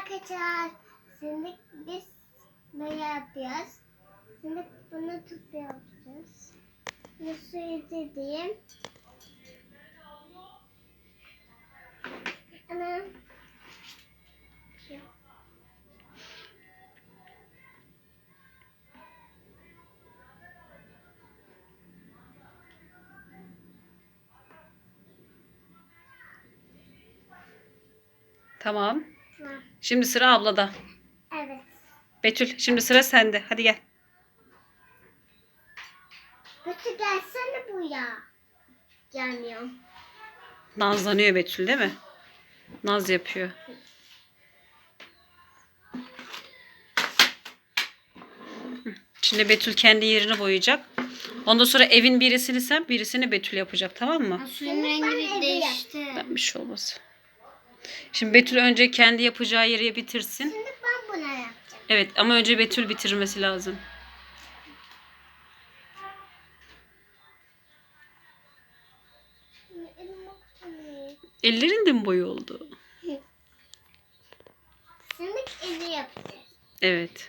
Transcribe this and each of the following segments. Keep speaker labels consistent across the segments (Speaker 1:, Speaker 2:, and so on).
Speaker 1: arkadaşlar. Şimdi biz ne yapıyoruz? Şimdi bunu tüp yapacağız. Nasıl dediğim? Ana.
Speaker 2: Tamam. Şimdi sıra ablada.
Speaker 1: Evet.
Speaker 2: Betül şimdi sıra sende. Hadi gel.
Speaker 1: Kötü gelsene buraya. Gelmiyor.
Speaker 2: Nazlanıyor Betül değil mi? Naz yapıyor. Şimdi Betül kendi yerini boyayacak. Ondan sonra evin birisini sen, birisini Betül yapacak, tamam mı?
Speaker 3: Suyun rengi değişti.
Speaker 2: Bir şey olmaz. Şimdi Betül önce kendi yapacağı yeri bitirsin.
Speaker 1: Şimdi ben bunu yapacağım.
Speaker 2: Evet ama önce Betül bitirmesi lazım.
Speaker 1: Elim bakmıyor.
Speaker 2: Ellerin de mi boyu oldu?
Speaker 1: Şimdi eli yapacağız.
Speaker 2: Evet.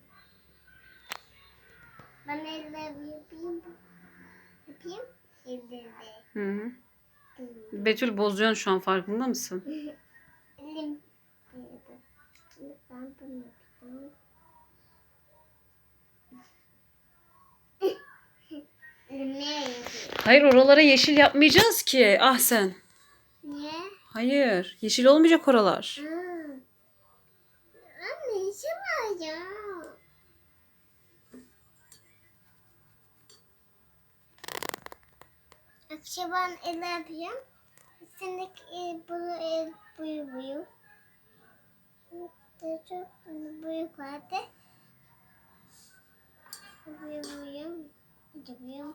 Speaker 1: Ben ellerimi yapayım. Yapayım. Ellerimi.
Speaker 2: Hı hı. Betül bozuyorsun şu an, farkında mısın?
Speaker 1: Elim. Şimdi ben bunu yapacağım. Elim ne yapıyor?
Speaker 2: Hayır, oralara yeşil yapmayacağız ki. Ah sen.
Speaker 1: Niye?
Speaker 2: Hayır. Yeşil olmayacak oralar.
Speaker 1: Anne işi var ya. Akşam ben el yapayım. Şimdi bunu el buyu. Çok büyük vardı. Buyu. Buyu.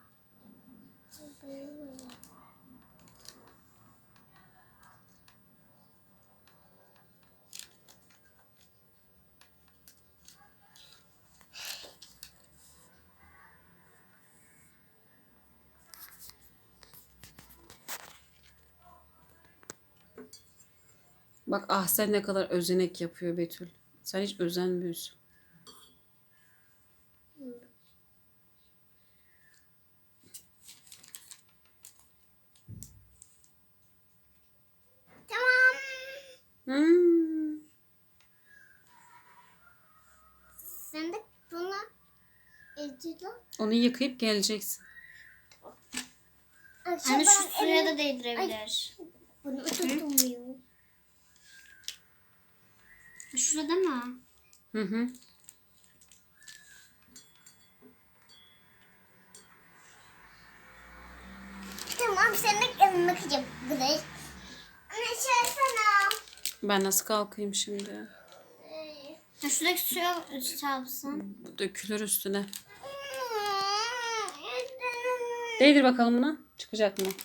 Speaker 2: Bak ah sen ne kadar özenek yapıyor Betül. Sen hiç özenmiyorsun.
Speaker 1: Tamam.
Speaker 2: Hmm.
Speaker 1: Şimdi bunu edeceğim.
Speaker 2: Onu yıkayıp geleceksin.
Speaker 1: Akşam
Speaker 3: Anne şu
Speaker 1: ben
Speaker 3: suya
Speaker 1: elimi-
Speaker 3: da değdirebilir.
Speaker 1: Bunu tutmuyor.
Speaker 3: Şurada mı?
Speaker 2: Hı hı.
Speaker 1: Tamam senin elini bakacağım. Güzel. Anne şey sana.
Speaker 2: Ben nasıl kalkayım şimdi?
Speaker 3: Ya şuradaki suya çarpsın.
Speaker 2: Bu dökülür üstüne. Değdir bakalım buna. Çıkacak mı?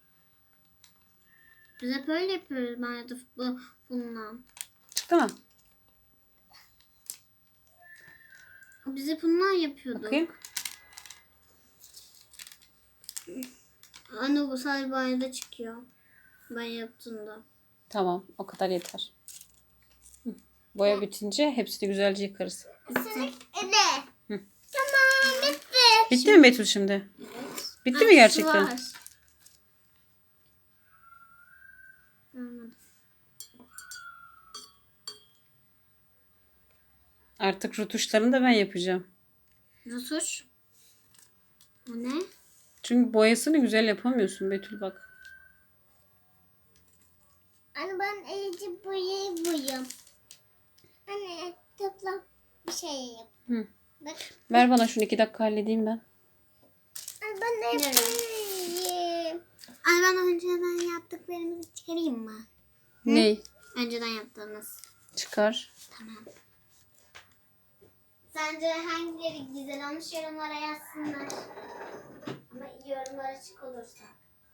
Speaker 3: Biz hep öyle yapıyoruz banyoda bununla.
Speaker 2: Çıktı mı?
Speaker 3: Biz hep bundan yapıyorduk.
Speaker 2: Bakayım.
Speaker 3: Anne bu sadece banyoda çıkıyor. Ben yaptığımda.
Speaker 2: Tamam. O kadar yeter. Hı. Boya bitince hepsini güzelce yıkarız.
Speaker 1: Senin eli.
Speaker 2: Hı.
Speaker 1: Tamam bitti.
Speaker 2: Bitti mi Betül şimdi? Bitti mi gerçekten?
Speaker 3: Var. Anladım.
Speaker 2: Artık rutuşlarını da ben yapacağım.
Speaker 3: Rutuş. O ne?
Speaker 2: Çünkü boyasını güzel yapamıyorsun Betül bak.
Speaker 1: Anne ben iyice boyayım. Anne topla bir şey yap.
Speaker 2: Hı.
Speaker 1: Bak.
Speaker 2: Ver bana şunu 2 dakika halledeyim ben.
Speaker 1: Anne ben de yapayım.
Speaker 3: Anne ben önceden yaptıklarımızı çıkarayım mı?
Speaker 2: Ney?
Speaker 3: Önceden yaptığımız.
Speaker 2: Çıkar.
Speaker 3: Tamam. Sence hangileri güzel olmuş yorumlara yazsınlar. Ama yorumlar açık olursa.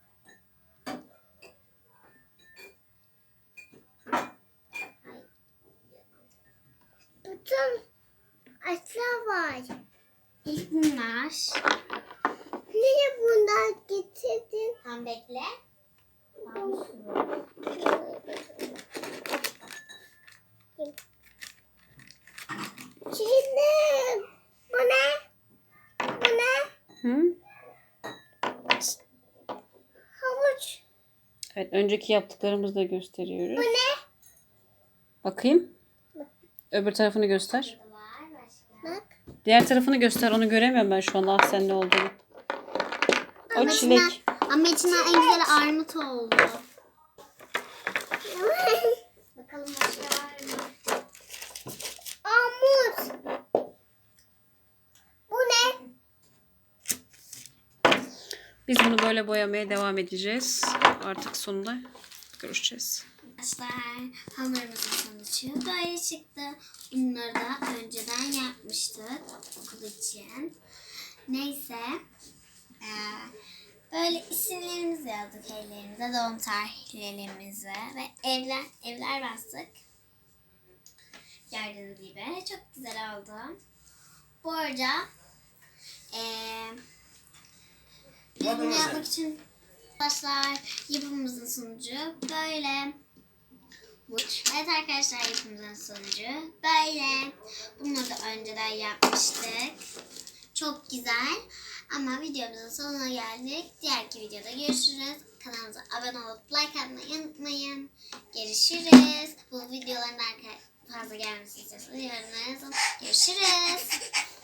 Speaker 1: Bütün aşağı var.
Speaker 3: İlk bunlar.
Speaker 1: Niye bunlar getirdin?
Speaker 3: Tam bekle.
Speaker 1: bakayım. Şimdi bu ne? Bu ne?
Speaker 2: Hı?
Speaker 1: Havuç.
Speaker 2: Evet, önceki yaptıklarımızı da gösteriyoruz.
Speaker 1: Bu ne?
Speaker 2: Bakayım. Öbür tarafını göster.
Speaker 3: Var başka.
Speaker 1: Bak.
Speaker 2: Diğer tarafını göster. Onu göremiyorum ben şu anda. Ah, sen ne olduğunu. O çilek.
Speaker 3: Ama içinden en güzel armut oldu. Bakalım başka var mı?
Speaker 1: Armut. Bu ne?
Speaker 2: Biz bunu böyle boyamaya devam edeceğiz. Artık sonunda görüşeceğiz.
Speaker 3: Arkadaşlar hamurumuzun sonucu böyle çıktı. Bunları da önceden yapmıştık okul için. Neyse. Böyle isimlerimizi yazdık ellerimize, doğum tarihlerimizi ve evler bastık. Gördüğünüz gibi çok güzel oldu. Bu arada biz bunu yapmak için arkadaşlar yapımımızın sonucu böyle. Evet arkadaşlar yapımımızın sonucu böyle. Bunları da önceden yapmıştık. Çok güzel. Ama videomuzun sonuna geldik. Diğerki videoda görüşürüz. Kanalımıza abone olup like atmayı unutmayın. Görüşürüz. Bu videoların fazla gelmesini istiyorsanız yorumlara yazın. Görüşürüz.